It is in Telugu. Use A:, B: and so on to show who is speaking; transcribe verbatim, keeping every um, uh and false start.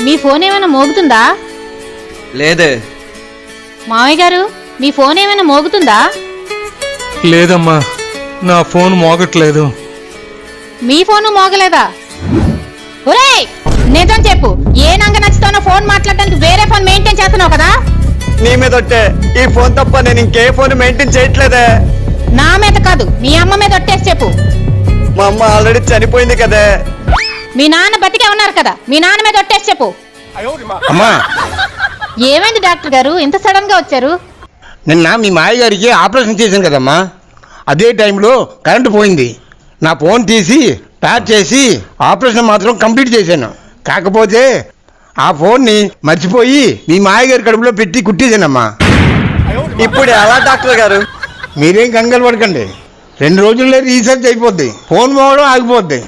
A: మీ ఫోన్ ఏమైనా మోగుతుందా?
B: లేదే.
A: మామయ్య గారు, మీ ఫోన్ ఏమైనా మోగుతుందా?
C: లేదమ్మా, నా ఫోన్ మోగట్లేదు.
A: మీ ఫోను మోగలేదా? ఒరేయ్, నిజం చెప్పు. ఏ నంగ నచ్చుతానో ఫోన్ మాట్లాడడానికి వేరే ఫోన్ మెయింటైన్ చేస్తున్నావు కదా?
B: నీ మీద ఒట్టే. ఈ ఫోన్ తప్ప నేను ఇంకే ఫోన్ మెయింటైన్ చేయట్లేదే.
A: నా మీద కాదు, మీ అమ్మ మీద ఒట్టేసి చెప్పు.
B: మా అమ్మ ఆల్రెడీ చనిపోయింది కదే.
A: మీ నాన్న బతికే ఉన్నారు కదా, మీ నాన్న మీద ఒట్టేసి చెప్పు.
D: అమ్మా,
A: ఏమైంది డాక్టర్ గారు, ఇంత సడన్ గా వచ్చారు?
D: నిన్న మీ మాయ గారికి ఆపరేషన్ చేశాను కదమ్మా, అదే టైంలో కరెంటు పోయింది. నా ఫోన్ తీసి ప్యాక్ చేసి ఆపరేషన్ మాత్రం కంప్లీట్ చేశాను. కాకపోతే ఆ ఫోన్ని మర్చిపోయి మీ మాయగారి కడుపులో పెట్టి కుట్టేశానమ్మా.
B: ఇప్పుడు ఎలా డాక్టర్ గారు?
D: మీరేం కంగారు పడకండి, రెండు రోజుల్లో రీసెర్చ్ అయిపోద్ది, ఫోన్ పోవడం ఆగిపోద్ది.